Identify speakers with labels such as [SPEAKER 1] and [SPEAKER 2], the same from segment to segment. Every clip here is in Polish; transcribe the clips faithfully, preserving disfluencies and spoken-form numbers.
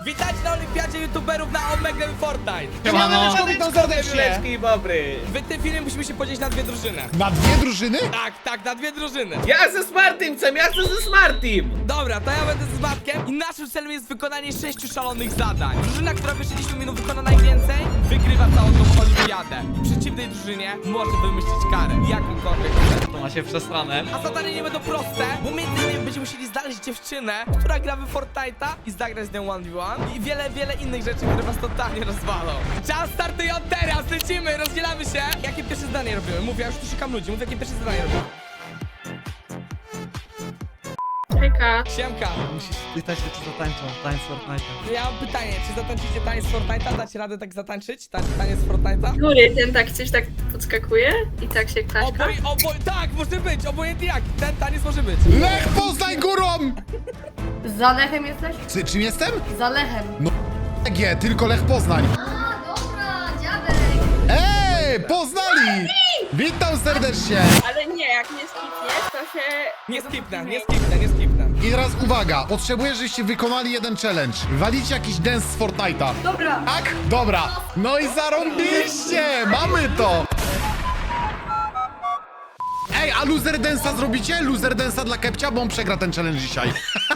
[SPEAKER 1] Witajcie na olimpiadzie youtuberów na Omega Fortnite.
[SPEAKER 2] Siemano.
[SPEAKER 1] Witam serdecznie.
[SPEAKER 2] Dzień dobry.
[SPEAKER 1] W tym filmie musimy się podzielić na dwie drużyny.
[SPEAKER 3] Na dwie drużyny?
[SPEAKER 1] Tak, tak, na dwie drużyny.
[SPEAKER 2] Ja ze Smartim chcę, ja chcę ze Smartim.
[SPEAKER 1] Dobra, to ja będę z Matkiem i naszym celem jest wykonanie sześciu szalonych zadań. Drużyna, która w sześćdziesięciu minut wykona najwięcej, wygrywa całą tą olimpiadę. W przeciwnej drużynie może wymyślić karę, jakąkolwiek.
[SPEAKER 4] To ma się przesrane.
[SPEAKER 1] A zadania nie będą proste, bo między innymi będziemy musieli znaleźć dziewczynę, która gra w Fortnite'a i zagrać z nią jeden v jeden i wiele, wiele innych rzeczy, które was totalnie rozwalą. Czas startuje od teraz, lecimy, rozdzielamy się. Jakie pierwsze zdanie robimy? Mów, ja już tu szukam ludzi, mów jakie pierwsze zdanie robimy.
[SPEAKER 5] Hejka.
[SPEAKER 1] Siemka,
[SPEAKER 4] Musisz pytać się, czy zatańczą tańc Fortnite'a.
[SPEAKER 1] ja mam pytanie, czy zatańczycie taniec z Fortnite'a? Dacie radę tak zatańczyć? Tań, taniec z Fortnite'a?
[SPEAKER 5] Góry, ten tak coś tak podskakuje i tak się klaszka.
[SPEAKER 1] Oboj, oboj, tak, może być, obojętnie jak, ten taniec może być.
[SPEAKER 3] Lech Poznań górą!
[SPEAKER 6] Za Lechem jesteś?
[SPEAKER 3] Czy, czym jestem?
[SPEAKER 6] Za Lechem.
[SPEAKER 3] G, tylko Lech Poznań.
[SPEAKER 6] A, dobra, dziadek.
[SPEAKER 3] Ej, poznali! Witam serdecznie!
[SPEAKER 5] Ale nie, jak nie skipniesz, to się...
[SPEAKER 1] Nie skipnę, nie skipnę, nie skipnę.
[SPEAKER 3] I teraz uwaga, potrzebuję, żebyście wykonali jeden challenge. Walicie jakiś dance z Fortnite'a.
[SPEAKER 6] Dobra.
[SPEAKER 3] Tak? Dobra. No i zarąbiście! Mamy to! Ej, a loser dance'a zrobicie? Loser dance'a dla Kepcia, bo on przegra ten challenge dzisiaj.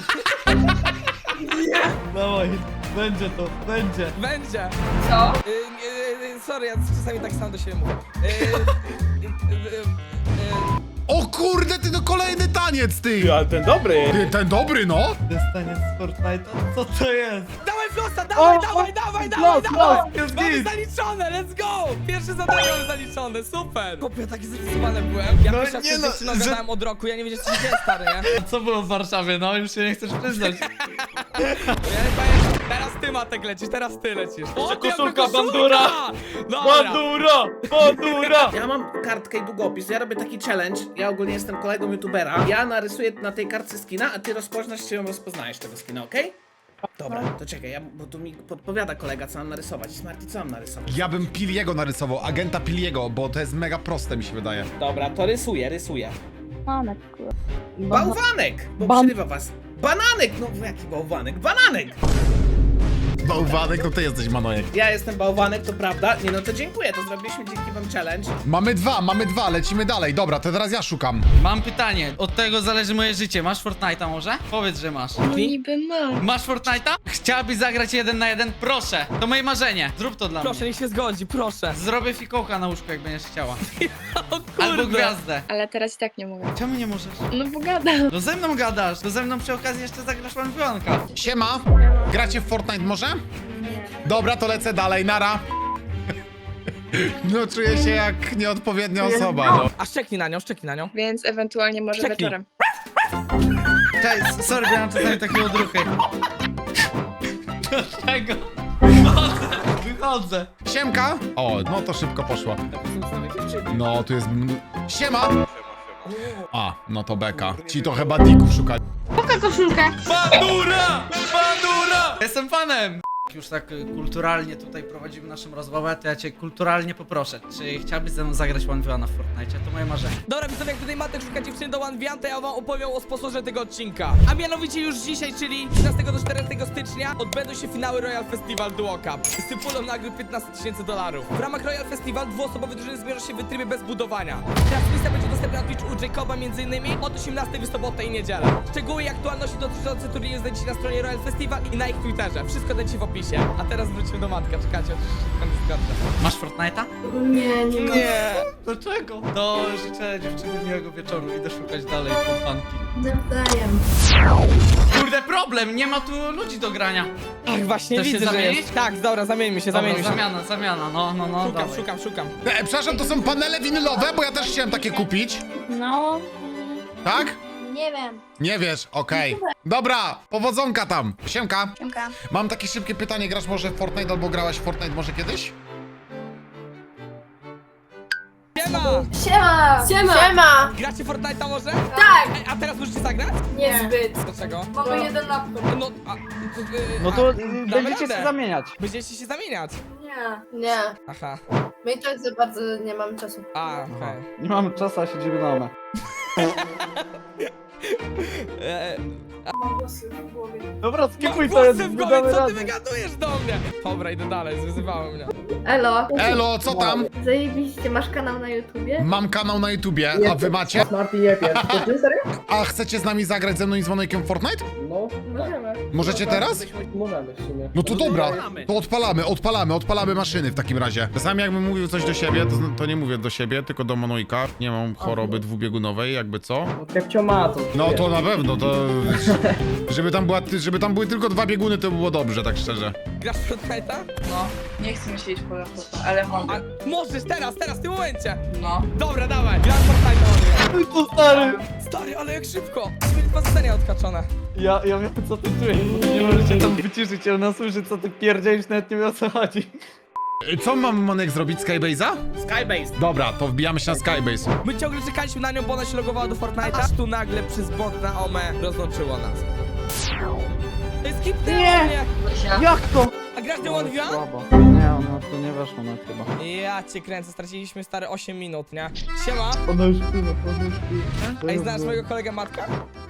[SPEAKER 4] Dawaj, będzie to, będzie.
[SPEAKER 1] Będzie.
[SPEAKER 5] Co?
[SPEAKER 1] Y, y, y, sorry, ja czasami tak sam do siebie mówię. Y, y, y, y, y,
[SPEAKER 3] O kurde, ty no kolejny taniec, ty!
[SPEAKER 2] Ale ten dobry.
[SPEAKER 3] Ty, ten dobry, no!
[SPEAKER 4] To jest taniec z Fortnite'a? Co to jest?
[SPEAKER 1] Dawaj flosta, dawaj,
[SPEAKER 4] O,
[SPEAKER 1] dawaj,
[SPEAKER 4] o,
[SPEAKER 1] dawaj,
[SPEAKER 4] los,
[SPEAKER 1] dawaj,
[SPEAKER 4] los,
[SPEAKER 1] dawaj!
[SPEAKER 4] jest
[SPEAKER 1] Mamy
[SPEAKER 4] git.
[SPEAKER 1] zaliczone, let's go! Pierwsze zadanie mamy zaliczone, super! Kopie, taki zestresowany byłem. Ja
[SPEAKER 4] No
[SPEAKER 1] pierwszy raz
[SPEAKER 4] nie
[SPEAKER 1] z
[SPEAKER 4] no,
[SPEAKER 1] dziewczyną
[SPEAKER 4] że-
[SPEAKER 1] gadałem od roku, ja nie wiedziałem, co się dzieje, stary, nie?
[SPEAKER 4] A co było w Warszawie? No, już się nie chcesz przyznać.
[SPEAKER 1] Ja nie pamiętam. Teraz ty, Matek, lecisz, teraz ty lecisz. O, ty,
[SPEAKER 4] koszulka,
[SPEAKER 1] jaka
[SPEAKER 4] bandura!
[SPEAKER 1] Dobra.
[SPEAKER 4] Bandura! Bandura!
[SPEAKER 2] Ja mam kartkę i długopis, ja robię taki challenge. Ja ogólnie jestem kolegą youtubera. Ja narysuję na tej kartce skina, a ty rozpoznasz, czy ją rozpoznajesz tego skina, okej? Dobra, to czekaj, ja, bo tu mi podpowiada kolega, co mam narysować. Smarty, co mam narysować?
[SPEAKER 3] Ja bym Piliego narysował, agenta Piliego, bo to jest mega proste, mi się wydaje.
[SPEAKER 2] Dobra, to rysuję, rysuję.
[SPEAKER 6] Manek, kurwa.
[SPEAKER 2] Bałwanek, bo
[SPEAKER 6] Ban-
[SPEAKER 2] przerywa was. Bananek, no jaki bałwanek? Bananek!
[SPEAKER 3] Bałwanek, no ty jesteś Manojek.
[SPEAKER 2] Ja jestem bałwanek, to prawda. Nie no, to dziękuję, to zrobiliśmy dzięki wam challenge.
[SPEAKER 3] Mamy dwa, mamy dwa, lecimy dalej. Dobra, to teraz ja szukam.
[SPEAKER 4] Mam pytanie, od tego zależy moje życie. Masz Fortnite'a może? Powiedz, że masz.
[SPEAKER 5] No niby mam.
[SPEAKER 4] Masz Fortnite'a? Chciałabyś zagrać jeden na jeden? Proszę, to moje marzenie. Zrób to dla
[SPEAKER 1] Proszę,
[SPEAKER 4] mnie.
[SPEAKER 1] niech się zgodzi, proszę.
[SPEAKER 4] Zrobię fikołka na łóżku, jak będziesz chciała.
[SPEAKER 1] O
[SPEAKER 4] Albo
[SPEAKER 1] kurde.
[SPEAKER 4] gwiazdę.
[SPEAKER 5] Ale teraz i tak nie mogę.
[SPEAKER 4] Czemu nie możesz?
[SPEAKER 5] No bo gadam.
[SPEAKER 4] No ze mną gadasz, to ze mną przy okazji jeszcze zagrasz łamionka.
[SPEAKER 3] Siema, gracie w Fortnite może? Dobra, to lecę dalej, nara. No czuję się jak nieodpowiednia osoba, no.
[SPEAKER 1] A szczeknij na nią, szczeknij na nią.
[SPEAKER 5] Więc ewentualnie może
[SPEAKER 1] Czeknij.
[SPEAKER 5] wieczorem.
[SPEAKER 4] Cześć, sorry, miałem czasami takie odruchy. Dlaczego? Wychodzę, wychodzę.
[SPEAKER 3] Siemka. O, no to szybko poszło. No, tu jest... mn- Siema. A, no to beka. Ci to chyba dików szukali.
[SPEAKER 4] Bandura! Bandura! Jestem fanem! Już tak y, kulturalnie tutaj prowadzimy naszą rozmowę, to ja cię kulturalnie poproszę. Czy chciałbyś ze mną zagrać one v one w Fortnite? To moje marzenie.
[SPEAKER 1] Dobra, widzowie, jak tutaj Matek szuka dziewczyny do one v one, to ja wam opowiem o sponsorze tego odcinka. A mianowicie już dzisiaj, czyli trzynastego do czternastego stycznia odbędą się finały Royal Festival Duo Cup. Stypulą nagród piętnaście tysięcy dolarów. W ramach Royal Festival dwuosobowe drużyny zmierzą się w trybie bez budowania. Transmisja będzie dostępna na Twitchu u Jacoba między innymi od osiemnastej w sobotę i niedzielę. Szczegóły i aktualności dotyczące turnieju znajdziecie na stronie Royal Festival i na ich Twitterze. Wszystko dajcie w opisie. A teraz wróćmy do Matka, czekajcie, oczywiście nie zgadnę.
[SPEAKER 4] Masz Fortnite'a?
[SPEAKER 6] Nie, nie mam.
[SPEAKER 1] Nie.
[SPEAKER 4] Dlaczego? To życzę dziewczyny miłego wieczoru, idę szukać dalej kompanki.
[SPEAKER 6] Nawzajem.
[SPEAKER 4] Kurde, problem, nie ma tu ludzi do grania.
[SPEAKER 1] Ach, właśnie
[SPEAKER 4] Chcesz się
[SPEAKER 1] widzę, że
[SPEAKER 4] zamienić?
[SPEAKER 1] jest. Tak, dobra, zamieńmy się,
[SPEAKER 4] Dobra,
[SPEAKER 1] zamieńmy się.
[SPEAKER 4] zamiana, zamiana, no, no, no,
[SPEAKER 1] Szukam,
[SPEAKER 4] dawaj.
[SPEAKER 1] szukam, szukam.
[SPEAKER 3] E, przepraszam, to są panele winylowe, bo ja też chciałem takie kupić.
[SPEAKER 6] No,
[SPEAKER 3] Tak?
[SPEAKER 6] nie wiem.
[SPEAKER 3] Nie wiesz, okej. Dobra, powodzonka tam. Siemka.
[SPEAKER 6] Siemka.
[SPEAKER 3] Mam takie szybkie pytanie, grasz może w Fortnite albo grałaś w Fortnite może kiedyś?
[SPEAKER 1] Siema!
[SPEAKER 6] Siema! Siema! Siema!
[SPEAKER 1] Gracie Fortnite'a może?
[SPEAKER 6] Tak!
[SPEAKER 1] Ej, a teraz możecie zagrać?
[SPEAKER 6] Niezbyt.
[SPEAKER 1] Dlaczego?
[SPEAKER 6] Mamy jeden laptop.
[SPEAKER 1] No, a, to, y,
[SPEAKER 7] No to
[SPEAKER 1] a,
[SPEAKER 7] y,
[SPEAKER 1] damy
[SPEAKER 7] będziecie
[SPEAKER 1] radę.
[SPEAKER 7] się zamieniać.
[SPEAKER 1] Będziecie się zamieniać.
[SPEAKER 6] Nie. Nie.
[SPEAKER 1] Aha.
[SPEAKER 6] My i tak za bardzo nie mamy czasu.
[SPEAKER 1] A, okej.
[SPEAKER 7] Nie mamy czasu, a siedzimy doma.
[SPEAKER 1] E,
[SPEAKER 6] Mam głosy w głowie.
[SPEAKER 7] Dobra, skipuj to,
[SPEAKER 1] Głosem
[SPEAKER 7] jest
[SPEAKER 1] w głowie, co ty
[SPEAKER 7] razem.
[SPEAKER 1] wygadujesz do mnie? Dobra, idę dalej, zwyzywały mnie.
[SPEAKER 8] Elo,
[SPEAKER 3] Elo, co tam?
[SPEAKER 8] zajebiście, masz kanał na YouTubie?
[SPEAKER 3] Mam kanał na YouTubie, a wy macie?
[SPEAKER 7] Smarty jebie. To ty serio?
[SPEAKER 3] A chcecie z nami zagrać ze mną i z Monojkiem w Fortnite?
[SPEAKER 7] No,
[SPEAKER 8] Możemy.
[SPEAKER 3] Możecie teraz?
[SPEAKER 7] możemy w sumie.
[SPEAKER 3] No to dobra,
[SPEAKER 2] odpalamy.
[SPEAKER 3] to odpalamy, odpalamy, odpalamy maszyny w takim razie. Czasami jakbym mówił coś do siebie, to, to nie mówię do siebie, tylko do Monojka. Nie mam choroby dwubiegunowej, jakby co.
[SPEAKER 7] No Kepcio ma to.
[SPEAKER 3] No to na pewno, to... Żeby tam, była, żeby tam były tylko dwa bieguny, to by było dobrze, tak szczerze.
[SPEAKER 1] Grasz w Fortnite'a?
[SPEAKER 5] No, nie chcę mi siedzieć po laptopie, ale mogę.
[SPEAKER 1] A możesz teraz, teraz, w tym momencie.
[SPEAKER 5] No.
[SPEAKER 1] Dobra, dawaj, gram w Fortnite'a, Monojek.
[SPEAKER 7] To stary!
[SPEAKER 1] Stary, ale jak szybko. Mieli dwa zadania odkaczone.
[SPEAKER 7] Ja, ja wiem co ty czujesz, bo nie możecie tam wyciszyć, ona słyszy co ty pierdzielisz, nawet nie wie o co chodzi.
[SPEAKER 3] Co mam, Monek, zrobić? Skybase'a?
[SPEAKER 2] Skybase.
[SPEAKER 3] Dobra, to wbijamy się na Skybase.
[SPEAKER 1] My ciągle czekaliśmy na nią, bo ona się logowała do Fortnite'a. Aż tu nagle przez bot na Ome rozłączyło nas. To jest kipnęło mnie.
[SPEAKER 7] Jak to?
[SPEAKER 1] A grasz The One View?
[SPEAKER 7] Słabo. Nie, ona to nie weszło na chyba.
[SPEAKER 1] Ja cię kręcę, straciliśmy stare osiem minut, nie? Siema.
[SPEAKER 7] Ona już śpiewa, ona już śpiewa.
[SPEAKER 1] Ej, znasz mojego kolegę Matka?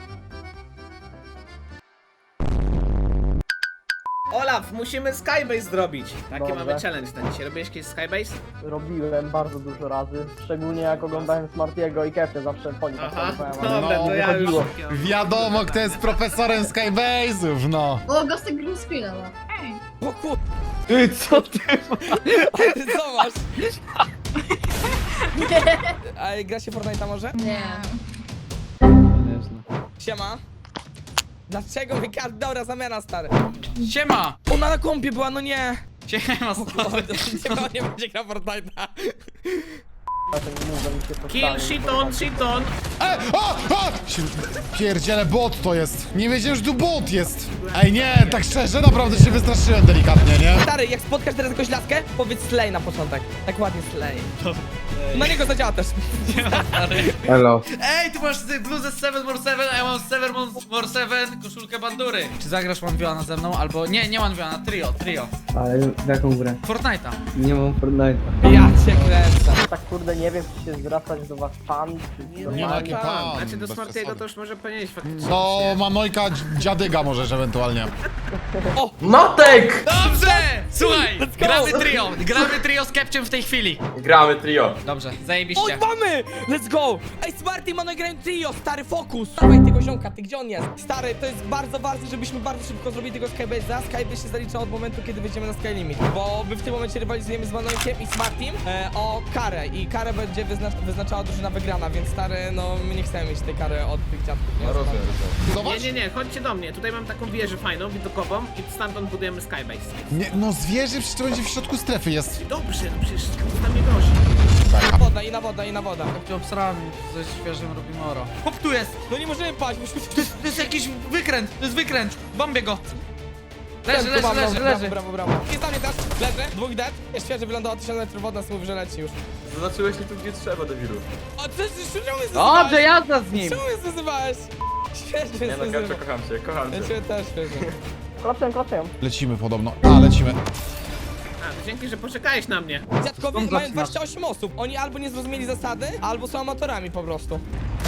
[SPEAKER 2] Olaf, musimy Skybase zrobić. Taki
[SPEAKER 7] Dobrze.
[SPEAKER 2] mamy challenge na dzisiaj. Robiłeś kiedyś Skybase?
[SPEAKER 7] Robiłem bardzo dużo razy, szczególnie jak oglądałem Smartiego i Kepcie, zawsze po nim
[SPEAKER 2] Aha,
[SPEAKER 7] tak
[SPEAKER 2] dobra, to ja już...
[SPEAKER 7] wychodziło.
[SPEAKER 3] Wiadomo, kto jest profesorem Skybase'ów, no.
[SPEAKER 8] O, Gostek green screena ma.
[SPEAKER 1] O kur...
[SPEAKER 7] Ty, co ty
[SPEAKER 1] A ty co masz? A gra się Fortnite'a może?
[SPEAKER 8] Nie.
[SPEAKER 7] Nie znam.
[SPEAKER 1] Siema. Dlaczego mi każdy... Dobra, zamiana stary.
[SPEAKER 4] Siema!
[SPEAKER 1] Ona na kompie była, no nie.
[SPEAKER 4] Siema,
[SPEAKER 1] O,
[SPEAKER 4] stary.
[SPEAKER 1] nie, nie będzie grał Fortnite'a.
[SPEAKER 7] Ja to nie mówię, mi się to
[SPEAKER 2] Kill,
[SPEAKER 7] stanie.
[SPEAKER 2] shiton, shiton.
[SPEAKER 3] E, o, o! Się- Pierdziele, bot to jest. Nie wiedziałem, że tu bot jest. Ej, nie, tak szczerze, naprawdę się wystraszyłem delikatnie, nie?
[SPEAKER 1] Stary, jak spotkasz teraz jakąś laskę, powiedz Slay na początek. Tak ładnie Slay. Na niego zadziała też.
[SPEAKER 7] Hello.
[SPEAKER 4] Ej, ty masz ty bluzę seven more seven, a ja mam seven more seven, koszulkę bandury. Czy zagrasz One Viona ze mną, albo... Nie, nie One Viona, trio, trio.
[SPEAKER 7] Ale w jaką grę?
[SPEAKER 4] Fortnite'a.
[SPEAKER 7] Nie mam Fortnite'a.
[SPEAKER 1] Ja cię kręcę.
[SPEAKER 7] Tak kurde nie wiem, czy się zwracać do was pan, czy co.
[SPEAKER 3] Nie, no jaki pan.
[SPEAKER 2] Znaczy do
[SPEAKER 3] bez
[SPEAKER 2] Smartiego
[SPEAKER 3] przesady.
[SPEAKER 2] to już może powinieneś faktycznie.
[SPEAKER 3] No, Manojka, dzi- dziadyga możesz ewentualnie.
[SPEAKER 9] Notek!
[SPEAKER 4] Dobrze! Słuchaj,
[SPEAKER 1] go!
[SPEAKER 4] gramy trio, gramy trio z Kepciem w tej chwili.
[SPEAKER 9] Gramy trio.
[SPEAKER 4] Dobrze,
[SPEAKER 1] O,
[SPEAKER 4] zajebiście.
[SPEAKER 1] mamy! Let's go! Ej, Smarty i Mano grają trio, stary, fokus! Dawaj tego ziomka, ty gdzie on jest? Stary, to jest bardzo ważne, żebyśmy bardzo szybko zrobili tego Skybase'a. Skybase się zalicza od momentu, kiedy wyjdziemy na Skylimit. Bo my w tym momencie rywalizujemy z Manojkiem i Smartym e, o karę. I karę będzie wyznacz wyznaczała drużyna wygrana, więc stary, no my nie chcemy mieć tej kary od tych dziadków. Nie,
[SPEAKER 9] rozumiem.
[SPEAKER 2] Nie,
[SPEAKER 3] Zobacz.
[SPEAKER 2] nie, nie, chodźcie do mnie. Tutaj mam taką wieżę fajną, widokową i stamtąd budujemy Skybase.
[SPEAKER 3] Nie, no zwierzę przecież to będzie w środku strefy jest.
[SPEAKER 2] Dobrze, no przecież tam nie grozi.
[SPEAKER 1] Na woda, i na woda, i na woda.
[SPEAKER 4] Kepcie obsrałem ze świeżym Rubimoro. Chłop tu jest!
[SPEAKER 1] No nie możemy paść, musimy...
[SPEAKER 4] To jest, to jest jakiś wykręt, to jest wykręt. Bombię go. Leży,
[SPEAKER 1] Tu
[SPEAKER 4] leży,
[SPEAKER 1] mam,
[SPEAKER 4] leży,
[SPEAKER 1] brawo,
[SPEAKER 4] leży.
[SPEAKER 1] Brawo, brawo, brawo. Jest na mnie też, leży, dwóch dead. Jest świeży, wylądował tysiąc metrów od nas, mówi, że leci już.
[SPEAKER 9] Zaznaczyłeś mi tu gdzie trzeba, debilu.
[SPEAKER 1] O, ty, ty, ty, czemu mnie
[SPEAKER 7] Dobrze,
[SPEAKER 1] zazywałeś?
[SPEAKER 7] jazda z nim!
[SPEAKER 1] Czemu mnie zazywałeś? Świeży
[SPEAKER 9] Nie no,
[SPEAKER 1] zazywałeś.
[SPEAKER 9] Kepcio, kocham cię, kocham
[SPEAKER 1] Ja
[SPEAKER 9] cię.
[SPEAKER 1] ciebie też świeży.
[SPEAKER 7] Klapcem, klapcem.
[SPEAKER 3] Lecimy podobno. A, lecimy.
[SPEAKER 2] A, to dzięki, że poczekałeś na mnie.
[SPEAKER 1] Dziadkowie
[SPEAKER 4] Skąd
[SPEAKER 1] mają
[SPEAKER 4] zaczynasz?
[SPEAKER 1] dwadzieścia osiem osób. Oni albo nie zrozumieli zasady, albo są amatorami po prostu.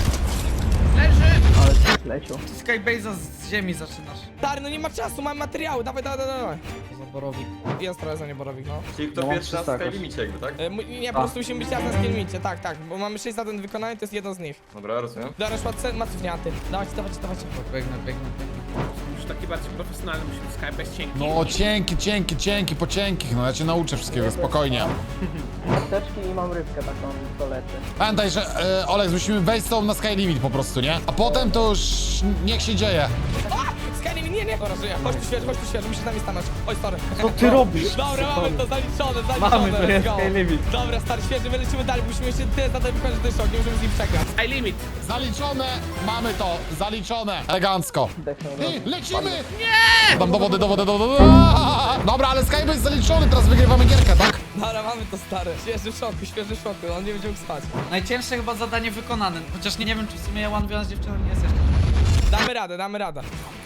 [SPEAKER 2] Leży!
[SPEAKER 7] Ale leciał.
[SPEAKER 4] Skybase'a z ziemi zaczynasz.
[SPEAKER 1] Stary, no nie ma czasu, mamy materiały, dawaj, dawaj, dawaj, dawaj.
[SPEAKER 4] Zaborowik.
[SPEAKER 1] Jest trochę za nieborowik, no.
[SPEAKER 9] Czyli kto
[SPEAKER 7] No, mam
[SPEAKER 9] pierwszy na
[SPEAKER 7] trzysta jakoś.
[SPEAKER 9] Skylimicie jakby, tak?
[SPEAKER 1] E, mu- nie, po prostu musimy być teraz na skillmicie, tak, tak, bo mamy sześć zadań wykonanych, to jest jedno z nich.
[SPEAKER 9] Dobra, rozumiem.
[SPEAKER 1] Darasz macówniaty. Dawajcie, dawajcie, dawajcie.
[SPEAKER 4] Biegnę, biegnę, biegnę.
[SPEAKER 2] Już taki bardziej profesjonalny musi być Skybase cienki.
[SPEAKER 3] No, cienki, cienki, cienki, po cienkich, no ja cię nauczę wszystkiego, spokojnie.
[SPEAKER 7] Apteczki i mam rybkę taką do leczy.
[SPEAKER 3] Pamiętaj, że e, Olek, musimy wejść z tobą na Skylimit po prostu, nie? A potem to już niech się dzieje.
[SPEAKER 1] Skyrim, nie, nie, dobra, żyję. Chodź tu świeży, chodź tu świeży, musisz z nami stanąć. Oj, sorry.
[SPEAKER 7] Co ty robisz?
[SPEAKER 1] Dobra, mamy to zaliczone, zaliczone.
[SPEAKER 7] Mamy, to jest
[SPEAKER 1] let's go.
[SPEAKER 7] Skylimit.
[SPEAKER 1] Dobra, stary, świeży, my lecimy dalej, musimy jeszcze tyle zadań wykonać, że to jest szok, nie możemy z nim przegrać.
[SPEAKER 2] Sky limit.
[SPEAKER 3] Zaliczone, mamy to, zaliczone. Elegancko.
[SPEAKER 7] Technologia.
[SPEAKER 3] I lecimy! Nie! Dam do wody, do wody, do wody. Dobra, ale Skybase jest zaliczony, teraz wygrywamy gierkę, tak?
[SPEAKER 1] Dobra, mamy to, stary. Świeży w szoku, świeży w szoku, on nie będzie mógł spać.
[SPEAKER 4] Najcięższe chyba zadanie wykonane. Chociaż nie, nie wiem, czy w sumie ja One Viona z dziewczyną nie jest jeszcze.
[SPEAKER 1] Damy radę, damy radę.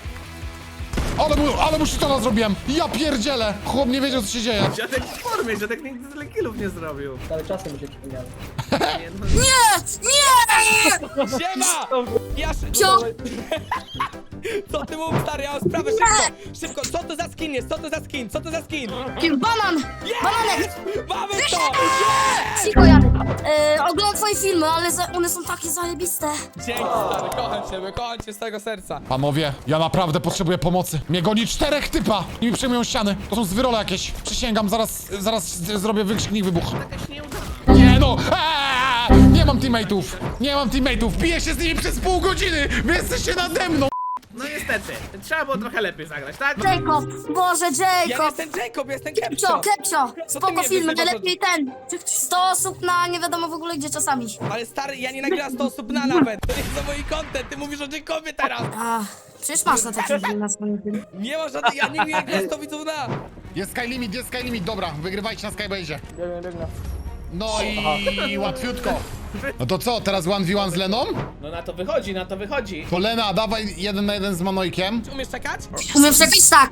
[SPEAKER 3] Ale mu, ale mu shitona zrobiłem. Ja pierdzielę. Chłop nie wiedział, co się dzieje.
[SPEAKER 2] Dziadek w formie, dziadek nigdy tyle killów nie zrobił.
[SPEAKER 7] Ale czasem mi się przypomniało.
[SPEAKER 2] Nie, no,
[SPEAKER 1] Siema! Ja szy...
[SPEAKER 8] Co?
[SPEAKER 1] Co ty mów, stary, ja mam sprawę, szybko, szybko, co to za skin jest, co to za skin, co to za skin?
[SPEAKER 10] Kim? Banan!
[SPEAKER 1] Jest! Mamy to!
[SPEAKER 10] Cicho, Janek. E, oglądam twoje filmy, ale za, one są takie zajebiste.
[SPEAKER 1] Dzięki, stary, kocham ciebie, kocham cię z tego serca.
[SPEAKER 3] Panowie, ja naprawdę potrzebuję pomocy. Mnie goni czterech typa i mi przejmują ściany. To są zwyrole jakieś. Przysięgam, zaraz, zaraz z- zrobię wykrzyknik wybuch.
[SPEAKER 2] Jakaś nieudana.
[SPEAKER 3] Nie no! Eee! Nie mam teammateów! Nie mam teammateów! Biję się z nimi przez pół godziny! Wy jesteście nade mną!
[SPEAKER 2] No niestety, trzeba było trochę lepiej zagrać, tak?
[SPEAKER 10] Jacob! Boże,
[SPEAKER 1] Ja
[SPEAKER 10] Jacob!
[SPEAKER 1] jestem Jacob, jestem
[SPEAKER 10] Kepcio,
[SPEAKER 1] Kepcio.
[SPEAKER 10] Kepcio!
[SPEAKER 1] Co ty
[SPEAKER 10] Spoko
[SPEAKER 1] mnie
[SPEAKER 10] filmy,
[SPEAKER 1] wyzywasz?
[SPEAKER 10] najlepiej ten. sto osób na nie wiadomo w ogóle gdzie czasami.
[SPEAKER 1] Ale stary, ja nie nagrałem sto osób na nawet. To jest za mój content, ty mówisz o Jacobie teraz.
[SPEAKER 10] A, przecież masz na taki film na swoim filmie.
[SPEAKER 1] Nie ma żadnych, ja nigdy nie nagrałem sto widzów na.
[SPEAKER 3] Jest sky limit, jest sky limit, dobra, wygrywajcie na Skybase'ie.
[SPEAKER 7] Biegnę, biegnę.
[SPEAKER 3] No i łatwiutko. No to co, teraz one v one z Leną?
[SPEAKER 2] No na to wychodzi, na to wychodzi.
[SPEAKER 3] To Lena, dawaj jeden na jeden z Manojkiem.
[SPEAKER 1] Umiesz czekać?
[SPEAKER 10] Umiem przepić tak.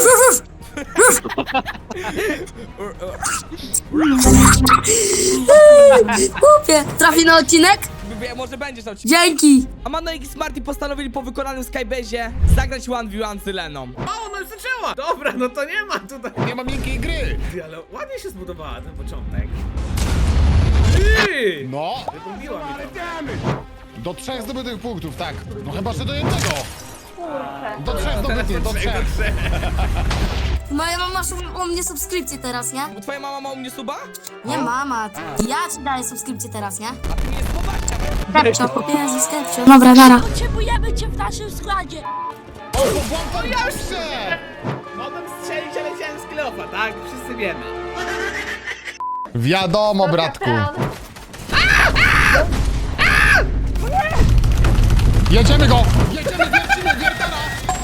[SPEAKER 10] Głupie. Trafi na odcinek?
[SPEAKER 1] B- Może będziesz na odcinku.
[SPEAKER 10] Dzięki.
[SPEAKER 1] A Manojek i Smarty postanowili po wykonanym Skybase'ie zagrać one v one z Leną.
[SPEAKER 2] O, no już zaczęła! Dobra, no to nie ma tutaj.
[SPEAKER 3] Nie ma miękkiej gry.
[SPEAKER 2] Ty, ale ładnie się zbudowała ten początek. Ty!
[SPEAKER 3] No,
[SPEAKER 2] Wygubiła mi to.
[SPEAKER 3] do trzech zdobytych punktów, tak. No chyba, że do jednego. Do trzech zdobytych, do trzech.
[SPEAKER 10] Moja mama masz u, u mnie subskrypcję teraz, nie?
[SPEAKER 1] Twoja mama ma u mnie suba?
[SPEAKER 10] Nie mama. Ja ci daję subskrypcję teraz, nie?
[SPEAKER 1] A ty nie jest poważna.
[SPEAKER 10] Kepcio. Jezus, Kepcio. Dobra, nara.
[SPEAKER 8] Potrzebujemy cię w naszym składzie.
[SPEAKER 3] O, bo wam ja jeszcze!
[SPEAKER 2] Mogłem strzelić, ale chciałem z kilofa, tak? Wszyscy wiemy.
[SPEAKER 3] Wiadomo, bratku. Jedziemy go! Jedziemy, wiercimy, wiertara!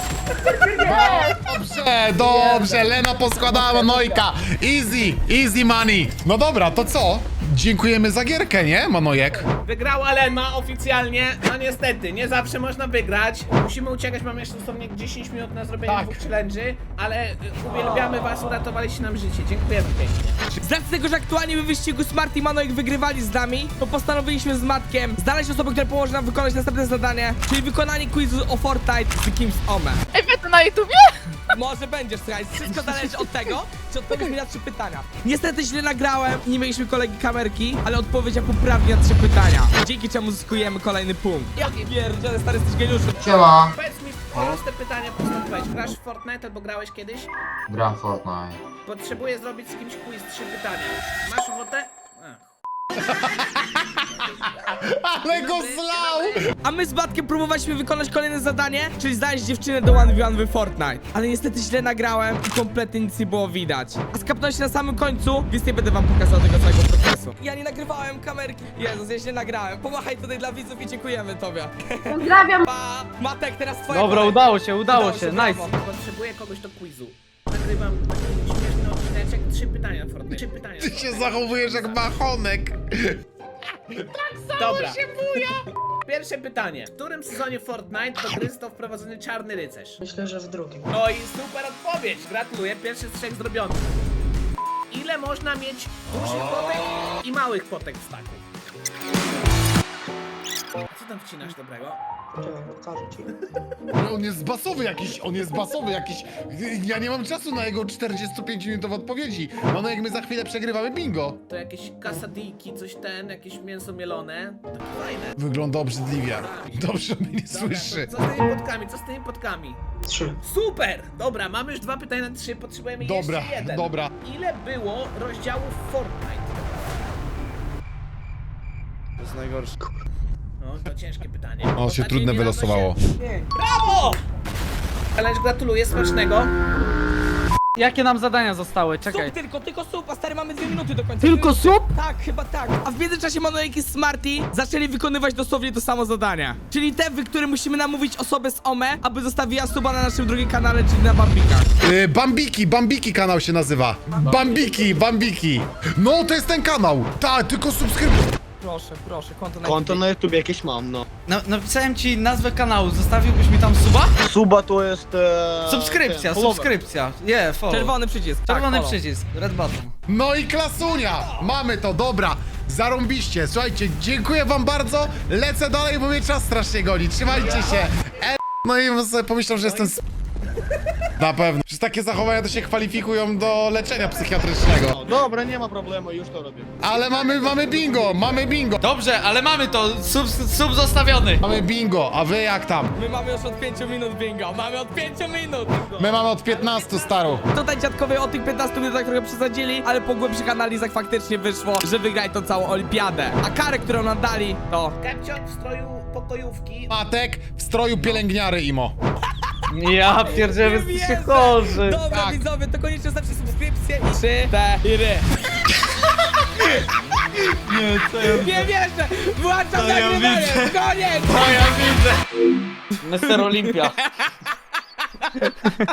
[SPEAKER 3] Dobrze, dobrze, Lena poskładała Manojka. Easy, easy money. No dobra, to co? Dziękujemy za gierkę, nie, Manojek?
[SPEAKER 2] Wygrała Lena oficjalnie. No niestety, nie zawsze można wygrać. Musimy uciekać, mamy jeszcze dosłownie dziesięć minut na zrobienie
[SPEAKER 3] Tak.
[SPEAKER 2] dwóch challenge'y, ale y, uwielbiamy was, uratowaliście nam życie. Dziękujemy pięknie.
[SPEAKER 1] Z racji tego, że aktualnie w wyścigu Smarty i Manojek wygrywali z nami, to postanowiliśmy z Matkiem znaleźć osobę, która pomoże nam wykonać następne zadanie, czyli wykonanie quizu o Fortnite z kimś z Ome.
[SPEAKER 5] Ej, wy to na YouTubie?
[SPEAKER 1] Może będziesz, słuchaj, wszystko zależy od tego, czy odpowiesz mi na trzy pytania. Niestety źle nagrałem, nie mieliśmy kolegi kamerki, ale odpowiedział poprawnie na trzy pytania, dzięki czemu zyskujemy kolejny punkt. Ja pierdzielę, stary, jesteś geniuszem.
[SPEAKER 11] Siema.
[SPEAKER 2] Powiedz mi proste pytanie, postąpiłeś. Grasz w Fortnite albo grałeś kiedyś?
[SPEAKER 11] Gram w Fortnite.
[SPEAKER 2] Potrzebuję zrobić z kimś quiz, trzy pytania. Masz ochotę? Ach.
[SPEAKER 3] Ale go zlał!
[SPEAKER 1] A my z Matkiem próbowaliśmy wykonać kolejne zadanie, czyli znaleźć dziewczynę do one v one w Fortnite. Ale niestety źle nagrałem i kompletnie nic nie było widać. A skapnąłem się na samym końcu, więc nie będę wam pokazał tego całego procesu. Ja nie nagrywałem kamerki. Jezus, ja źle nagrałem. Pomachaj tutaj dla widzów i dziękujemy tobie.
[SPEAKER 6] Pozdrawiam.
[SPEAKER 1] Pa! Matek, teraz twoja
[SPEAKER 7] Dobra,
[SPEAKER 1] kolej.
[SPEAKER 7] udało się, udało
[SPEAKER 1] Udało
[SPEAKER 7] się,
[SPEAKER 1] się,
[SPEAKER 7] nice.
[SPEAKER 1] brawo.
[SPEAKER 2] Potrzebuję kogoś do quizu. Nagrywam taki śmieszny odcineczek, trzy pytania w Fortnite. Trzy pytania.
[SPEAKER 3] Ty się zachowujesz jak machonek.
[SPEAKER 2] Dobra. Pierwsze pytanie. W którym sezonie Fortnite do gry został wprowadzony czarny rycerz?
[SPEAKER 5] Myślę, że w drugim.
[SPEAKER 2] No i super odpowiedź. Gratuluję. Pierwszy z trzech zrobionych. Ile można mieć dużych potek i małych potek w staku? A co tam wcinasz dobrego?
[SPEAKER 3] On jest basowy jakiś, on jest basowy jakiś. Ja nie mam czasu na jego czterdziestopięciominutowe odpowiedzi. Manojek, my za chwilę przegrywamy bingo.
[SPEAKER 2] To jakieś kasadijki, coś ten, jakieś mięso mielone. Takie fajne.
[SPEAKER 3] Wygląda obrzydliwie. Dobrze mnie nie słyszy.
[SPEAKER 2] Co z tymi potkami? Co z tymi potkami?
[SPEAKER 5] Trzy.
[SPEAKER 2] Super! Dobra, mamy już dwa pytania na trzy, potrzebujemy
[SPEAKER 3] Dobra,
[SPEAKER 2] jeszcze jeden.
[SPEAKER 3] dobra.
[SPEAKER 2] Ile było rozdziałów Fortnite?
[SPEAKER 7] To jest najgorsze.
[SPEAKER 2] No, to ciężkie pytanie.
[SPEAKER 3] O, się
[SPEAKER 2] Postacie
[SPEAKER 3] trudne
[SPEAKER 2] nie
[SPEAKER 3] wylosowało.
[SPEAKER 2] nada się- Brawo! Ależ gratuluję, smacznego.
[SPEAKER 7] Jakie nam zadania zostały? Czekaj.
[SPEAKER 1] Sup tylko, tylko sup, a stary, mamy dwie minuty do końca.
[SPEAKER 7] Tylko
[SPEAKER 1] Dwie minuty.
[SPEAKER 7] sup?
[SPEAKER 1] Tak, chyba tak. A w międzyczasie Manojek i Smarty zaczęli wykonywać dosłownie to samo zadanie. Czyli te, w którym musimy namówić osobę z Ome, aby zostawiła suba na naszym drugim kanale, czyli na Bambikach.
[SPEAKER 3] Yy, Bambiki, Bambiki kanał się nazywa. Bambiki, Bambiki. No, to jest ten kanał. Tak, tylko subskrybuj.
[SPEAKER 1] Proszę, proszę, konto na
[SPEAKER 12] Konto na YouTube jakieś mam, no.
[SPEAKER 4] No, napisałem ci nazwę kanału, zostawiłbyś mi tam suba?
[SPEAKER 12] Suba to jest... E,
[SPEAKER 4] Subskrypcja,
[SPEAKER 12] ten, follower.
[SPEAKER 4] subskrypcja. Nie, follow.
[SPEAKER 1] Czerwony przycisk.
[SPEAKER 4] Czerwony
[SPEAKER 1] tak, follow.
[SPEAKER 4] przycisk, red button.
[SPEAKER 3] No i klasunia! Mamy to, dobra. Zarąbiście. Słuchajcie, dziękuję wam bardzo. Lecę dalej, bo mnie czas strasznie goni. Trzymajcie się. No i sobie pomyślał, że jestem s... Na pewno. Przecież takie zachowania to się kwalifikują do leczenia psychiatrycznego.
[SPEAKER 12] No, dobra, nie ma problemu, już to robię.
[SPEAKER 3] Ale mamy, mamy bingo, mamy bingo.
[SPEAKER 4] Dobrze, ale mamy to, sub, sub zostawiony.
[SPEAKER 3] Mamy bingo, a wy jak tam?
[SPEAKER 1] My mamy już od pięciu minut bingo, mamy od pięciu minut!
[SPEAKER 3] My mamy od piętnastu, staro.
[SPEAKER 1] Tutaj dziadkowie o tych piętnastu minutach trochę przesadzili, ale po głębszych analizach faktycznie wyszło, że wygraj tą całą olimpiadę. A karę, którą nam dali, to...
[SPEAKER 2] Kepcio w stroju pokojówki.
[SPEAKER 3] Matek w stroju pielęgniary, Imo.
[SPEAKER 7] Ja pierdzielę, wy jesteście chorzy.
[SPEAKER 1] Dobra,
[SPEAKER 3] Tak.
[SPEAKER 1] widzowie, to koniecznie zostawcie subskrypcję i trzy, cztery.
[SPEAKER 4] Nie, co ja...
[SPEAKER 1] Nie wierzę! Włączam
[SPEAKER 4] ja
[SPEAKER 1] nagrywanie!
[SPEAKER 4] widzę.
[SPEAKER 1] Koniec!
[SPEAKER 4] To ja widzę.
[SPEAKER 7] Mister Olimpia.